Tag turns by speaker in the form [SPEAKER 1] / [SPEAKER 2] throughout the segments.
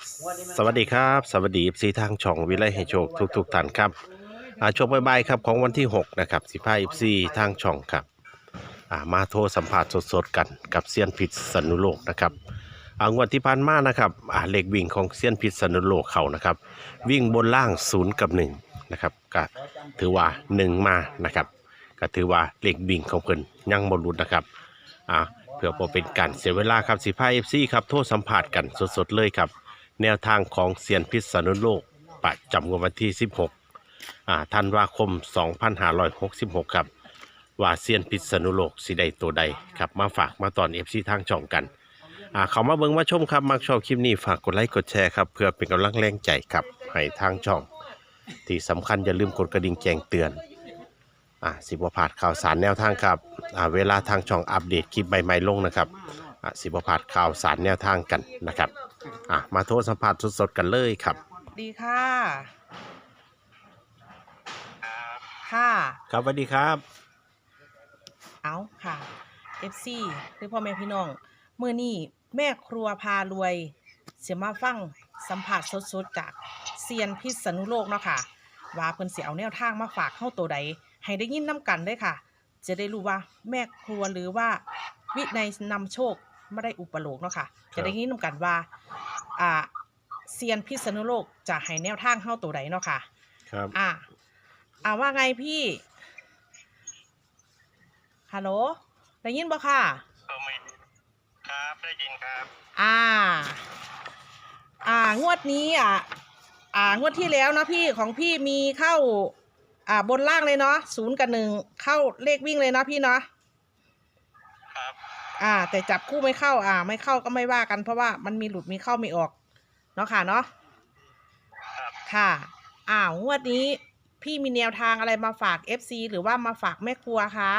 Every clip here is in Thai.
[SPEAKER 1] สวัสดีครับสวัสดีซีทางช่องวิไลให้โชคทุกท่านครับช่วงบ่ายๆครับของวันที่6นะครับ15 FCทางช่องครับมาโทรสัมภาษณ์สดๆกันกับเซียนพิษสนุโลกนะครับงวดที่ผ่านมานะครับเลขวิ่งของเซียนพิษสนุโลกเขานะครับวิ่งบนล่าง0 กับ 1นะครับก็ถือว่า1มานะครับก็ถือว่าเลขวิ่งของเพิ่นยังบ่หลุดนะครับเพื่อบ่เป็นการเสียเวลาครับ15 FCครับโทรสัมภาษณ์กันสดๆเลยครับแนวทางของเซียนพิษณุโลกประจำวันที่16ธันวาคม2566ครับว่าเซียนพิษณุโลกสิได้ตัวใดครับมาฝากมาตอน FC ทางช่องกันเขามาเบิ่งมาชมครับมักชอบคลิปนี้ฝากกดไลค์กดแชร์ครับเพื่อเป็นกำลังแรงใจครับให้ทางช่องที่สำคัญอย่าลืมกดกระดิ่งแจ้งเตือนสิบพลาดข่าวสารแนวทางครับเวลาทางช่องอัปเดตคลิปใหม่ๆลงนะครับสิบพลาดข่าวสารแนวทางกันนะครับมาโทรสัมภาษณ์สดๆกันเลยครับ
[SPEAKER 2] ดีค่ะค่ะ
[SPEAKER 1] ครับสวัสดีครับ
[SPEAKER 2] เอาค่ะ FC คือพ่อแม่พี่น้องมื้อนี้แม่ครัวพารวยเสียมาฟังสัมผัสสดๆจากเซียนพิษณุโลกเนาะค่ะว่าเพิ่นสิเอาแนวทางมาฝากเฮาตัวใดให้ได้ยินนํกันเด้ค่ะจะได้รู้ว่าแม่ครัวหรือว่าวินัยนำโชคไม่ได้อุปโลกเนาะค่ะจะได้ยินนํกันว่าเซียนพิษณุโลกจะให้แนวทางเฮาตัวใดเนาะค่ะ
[SPEAKER 1] ครับ
[SPEAKER 2] ว่าไงพี่ฮัลโหลได้ยินบ่ค่ะ
[SPEAKER 3] ไม่ครับได้ยินครับ
[SPEAKER 2] งวดนี้งวดที่แล้วนะพี่ของพี่มีเข้าบนล่างเลยเนาะ0 กับ 1เข้าเลขวิ่งเลยเนาะพี่เนาะ
[SPEAKER 3] ครับ
[SPEAKER 2] แต่จับคู่ไม่เข้าไม่เข้าก็ไม่ว่ากันเพราะว่ามันมีหลุดมีเข้าไม่ออกเนาะค่ะเนาะ
[SPEAKER 3] ครับ
[SPEAKER 2] ค่ะงวดนี้พี่มีแนวทางอะไรมาฝาก FC หรือว่ามาฝากแม่ครัวคะ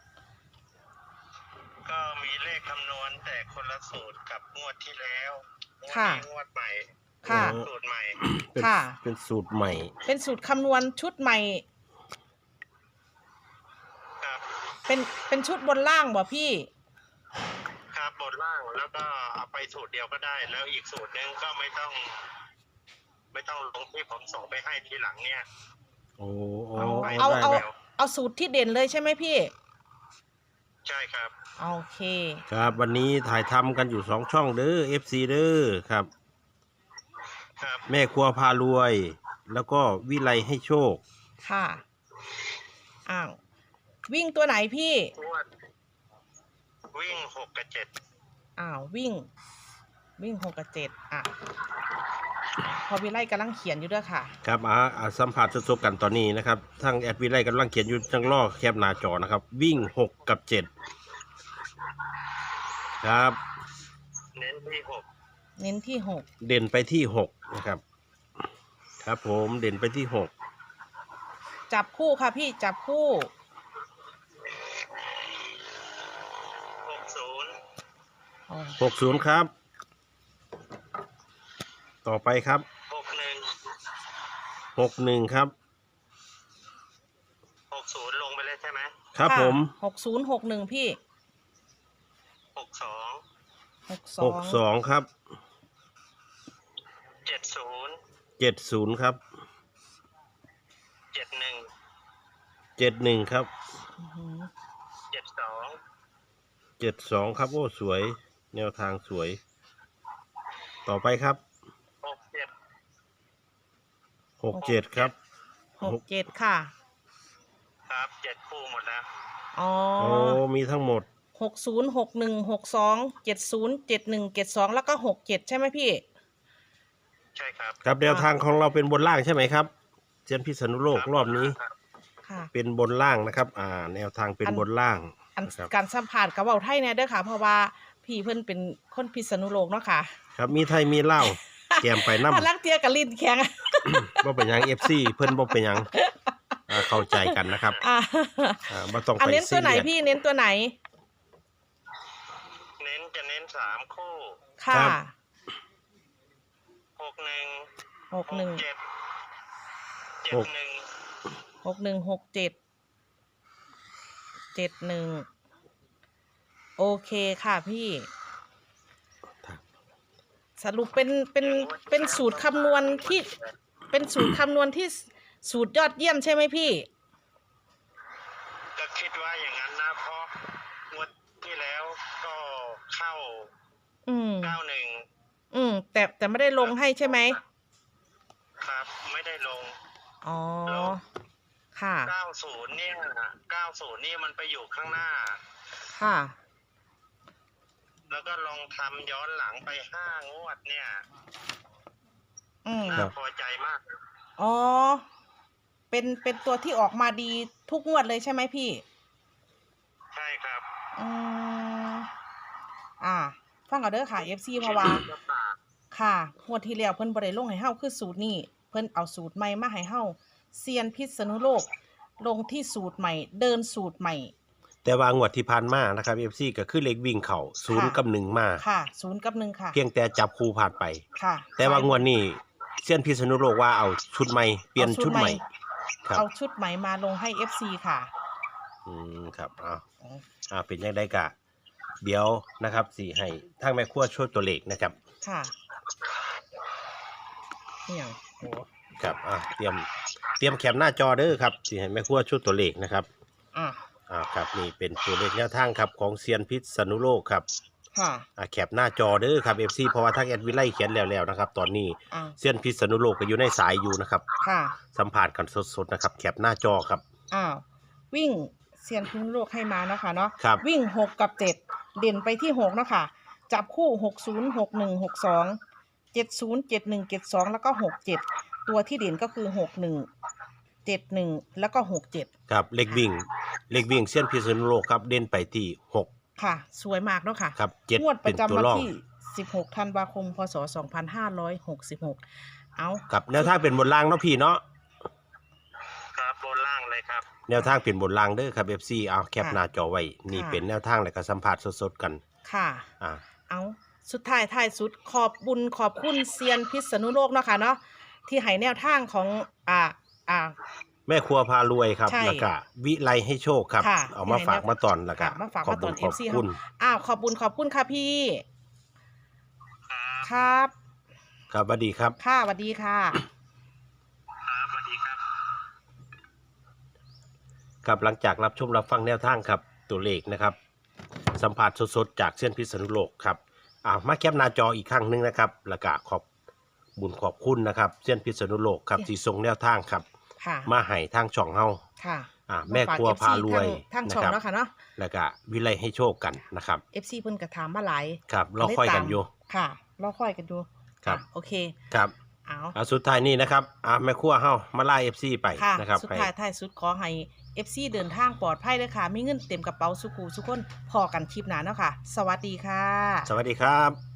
[SPEAKER 3] ก็มีเลขคำนวณแต่คนละสูตรกับงวดที่แล้วงวดใหม่
[SPEAKER 2] ค่ะ
[SPEAKER 3] สูตรใหม่
[SPEAKER 1] เป็นสูตรใหม่
[SPEAKER 2] เป็นสูตรคำนวณชุดใหม่
[SPEAKER 3] ครับ
[SPEAKER 2] เป็นชุดบนล่างบ่พี่
[SPEAKER 3] ครับบนล่างแล้วก็เอาไปสูตรเดียวก็ได้แล้วอีกสูตรนึงก็ไม่ต้องลงที่ผมส่งไปให้ทีหลังเนี่ย
[SPEAKER 2] เอาสูตรที่เด่นเลยใช่ไหมพี่
[SPEAKER 3] ใช่ครับ
[SPEAKER 2] โอเค
[SPEAKER 1] ครับวันนี้ถ่ายทำกันอยู่2ช่องเด้อ FC เด้อครับแม่ครัวพารวยแล้วก็วิไลให้โชค
[SPEAKER 2] ค่ะวิ่งตัวไหนพี่
[SPEAKER 3] วิ่ง6 กับ 7
[SPEAKER 2] วิ่ง6 กับ 7พอวิไลกำลังเขียนอยู่ด้วยค่ะ
[SPEAKER 1] ครับสัมผัสสดๆกันตอนนี้นะครับทางแอดวิไลกำลังเขียนอยู่จังล่อแคปหน้าจอนะครับวิ่ง6 กับ 7ครับ
[SPEAKER 3] เน้นที่
[SPEAKER 2] 6
[SPEAKER 1] เด่นไปที่6นะครับครับผมเด่นไปที่6
[SPEAKER 2] จับคู่ค่ะพี่จับคู่
[SPEAKER 1] 60ครับต่อไปครับ61ครับ
[SPEAKER 3] 60ลงไปเลยใช่ไหม
[SPEAKER 1] ครับผม
[SPEAKER 2] 6061พี่
[SPEAKER 1] 62ครับ70ครับ71ครับ72ครับโอ้สวยแนวทางสวยต่อไปครับ67ครับ
[SPEAKER 2] 67ค่ะ
[SPEAKER 3] ครับ7คู่หมดแล้ว
[SPEAKER 1] มีทั้งหมด
[SPEAKER 2] 60 61 62 70 71 72แล้วก็67ใช่ไหมพี่
[SPEAKER 3] ใช่ครับ
[SPEAKER 1] ครับแนวทางของเราเป็นบนล่างใช่ไหมครับเซียนพิษณุโลกรอบนี้เป็นบนล่างนะครับแนวทางเป็นบนล่าง
[SPEAKER 2] การสัมผัสกับเว้าไทยเนี่ยเด้อค่ะเพราะว่าพี่เพิ่นเป็นคนพิษณุโลกเนาะค่ะ
[SPEAKER 1] ครับมีไทยมีลาวแกมไปน้ำ
[SPEAKER 2] ลักเทียกับลิ้นแข็ง
[SPEAKER 1] บ่เป็นหยัง FC เพิ่นบ่เป็นหยังเข้าใจกันนะครับบ่ต้องไป
[SPEAKER 2] เน้นตัวไหนพี่เน้นตัวไหน
[SPEAKER 3] เน้น3คู่
[SPEAKER 2] ค่ะ61 61 67 71โอเคค่ะพี่สรุปเป็นสูตรคำนวณที่เป็นสูตรคำนวณที่สูตรยอดเยี่ยมใช่ไหมพี่
[SPEAKER 3] ก็คิดว่าอย่างนั้นนะเพราะงวดที่แล้วก็เข้า
[SPEAKER 2] อืม
[SPEAKER 3] 91
[SPEAKER 2] แต่ไม่ได้ลงให้ใช่ไหม
[SPEAKER 3] ครับไม่ได้ลง
[SPEAKER 2] อ๋อค่ะ
[SPEAKER 3] 90เนี่ย90นี่มันไปอยู่ข้างหน้า
[SPEAKER 2] ค่ะ
[SPEAKER 3] แล้วก็ลองทำย้อนหลังไป5 งวดเนี่ย
[SPEAKER 1] ครั
[SPEAKER 3] น่า
[SPEAKER 1] บ
[SPEAKER 3] พอใจมาก
[SPEAKER 2] อ๋อเป็นตัวที่ออกมาดีทุกงวดเลยใช่ไหมพี่
[SPEAKER 3] ใช่ครับ
[SPEAKER 2] อืมฟังเอาเด้อค่ะ FC เพราะว่าค่ะงวดที่แล้วเพิ่นบ่ได้ลงให้เฮาคือสูตรนี้เพิ่นเอาสูตรใหม่มาให้เฮาเซียนพิษณุโลกลงที่สูตรใหม่ เดินสูตรใหม่
[SPEAKER 1] แต่ว่างวดที่ผ่านมานะครับ FC ก็คือเลขวิ่งเข้า0กับ1มา
[SPEAKER 2] ค่ะ0กับ1ค่ะ
[SPEAKER 1] เพียงแต่จับคู่ผ่านไป
[SPEAKER 2] ค่ะ
[SPEAKER 1] แต่ว่างวดนี้เซียนพิษณุโลกว่าเอาชุดใหม่เปลี่ยนชุดใหม่ครับ
[SPEAKER 2] เอาชุดใหม่มาลงให้ FC ค่ะ
[SPEAKER 1] ครับเป็นยังไงกะเดี๋ยวนะครับสิให้ทางแม่ครัวช่วยตัวเลขนะครับ
[SPEAKER 2] ค่ะเนี่ยโอ้
[SPEAKER 1] ครับเตรียมแคปหน้าจอเด้อครับสิให้แม่ครัวช่วยตัวเลขนะครับ ครับนี่เป็นตัวเลขแนวทางครับของเซียนพิษณุโลกครับ
[SPEAKER 2] ค่ะ
[SPEAKER 1] แคปหน้าจอเด้อครับ FC เพราะว่าทางแอดวิไลเขียนแล้วนะครับตอนนี้
[SPEAKER 2] อ่า
[SPEAKER 1] เซียนพิษณุโลกก็อยู่ในสายอยู่นะครับ
[SPEAKER 2] ค่ะ
[SPEAKER 1] สัมผัสกันสดๆนะครับแคปหน้าจอครับ
[SPEAKER 2] วิ่งเซียนพิษณุโลกให้มาเนาะค่ะเนาะ
[SPEAKER 1] ครับ
[SPEAKER 2] วิ่ง6กับ7เด่นไปที่6เนาะค่ะจับคู่60 61 62 70 71 72แล้วก็67ตัวที่เด่นก็คือ61 71แล้วก็67
[SPEAKER 1] ครับเลขวิ่งเซียนพิษณุโลกครับเด่นไปที่6
[SPEAKER 2] ค่ะ สวยมากเนาะค่ะ
[SPEAKER 1] ครับ
[SPEAKER 2] งวด
[SPEAKER 1] 7
[SPEAKER 2] ป
[SPEAKER 1] เป็น
[SPEAKER 2] ระจำ
[SPEAKER 1] ตัว
[SPEAKER 2] วัน
[SPEAKER 1] รอง
[SPEAKER 2] ที่16ธันวาคมพศ2566เอา
[SPEAKER 1] ครับแนวทางเป็นบนล่างเนาะพี่เนาะ
[SPEAKER 3] ครับบนล่างเลยครับ
[SPEAKER 1] แนวทางเป็นบนล่างเด้อครับ FC เอาแคปหน้าจอไว้นี่เป็นแนวทางแล้วก็สัมผัสสดๆกัน
[SPEAKER 2] ค่ะ
[SPEAKER 1] อ่า
[SPEAKER 2] เอาสุดท้ายสุดขอบคุณเซียนพิษณุโลกเนาะค่ะเนาะที่ให้แนวทางของ
[SPEAKER 1] แม่ครัวพารวยครับ
[SPEAKER 2] ใช่
[SPEAKER 1] แล้วก็วิไลให้โชคครับ
[SPEAKER 2] ค่ะ
[SPEAKER 1] เอามาฝากมาตอนแล้วก็
[SPEAKER 2] ค่ะมาฝาก
[SPEAKER 1] ขอบ
[SPEAKER 2] มาต
[SPEAKER 1] คุ
[SPEAKER 2] อ
[SPEAKER 1] ณ
[SPEAKER 2] น
[SPEAKER 1] ขอบ
[SPEAKER 2] FC
[SPEAKER 1] คุณ
[SPEAKER 2] ขอบคุณค่ะพี่ ครับ
[SPEAKER 1] ครับสวัสดีครับ
[SPEAKER 2] ค่ะสวัสดีค่ะ
[SPEAKER 3] ครับสวัสดีครับ
[SPEAKER 1] ครับหลังจากรับชมรับฟังแนวทางครับตัวเลขนะครับ สัมผัสสดๆจากเส้นพิษณุโลกครับมาแคปหน้าจออีกครั้งหนึงนะครับแล้วก็ขอบคุณนะครับเส้นพิษณุโลกครับที่ส่งแนวทางครับ
[SPEAKER 2] ค่ะ
[SPEAKER 1] มาให้ทางช่องเฮา
[SPEAKER 2] ค่ะ
[SPEAKER 1] แม่ครัวพารวย
[SPEAKER 2] ทางช่อง
[SPEAKER 1] นะครับ
[SPEAKER 2] เนาะค่ะเนาะ
[SPEAKER 1] แล้วก็วิไลให้โชคกันนะครับ
[SPEAKER 2] FC เพิ่นก็ถามมาหลาย
[SPEAKER 1] ครับเราค่อยกันอยู่
[SPEAKER 2] ค่ะเราค่อยกันอยู่
[SPEAKER 1] ครับ
[SPEAKER 2] โอเค
[SPEAKER 1] ครับ
[SPEAKER 2] เอา
[SPEAKER 1] สุดท้ายนี้นะครับแม่ครัวเฮามาไล่ FC ไป
[SPEAKER 2] ค่ะ
[SPEAKER 1] นะครับ
[SPEAKER 2] สุดท้ายท้ายสุดขอให้ FC เดินทางปลอดภัยเลยค่ะ มีเงินเต็มกระเป๋าสุกูสุกคนพอกันคลิปหน้าเนาะค่ะ สวัสดีค่ะ
[SPEAKER 1] สวัสดีครับ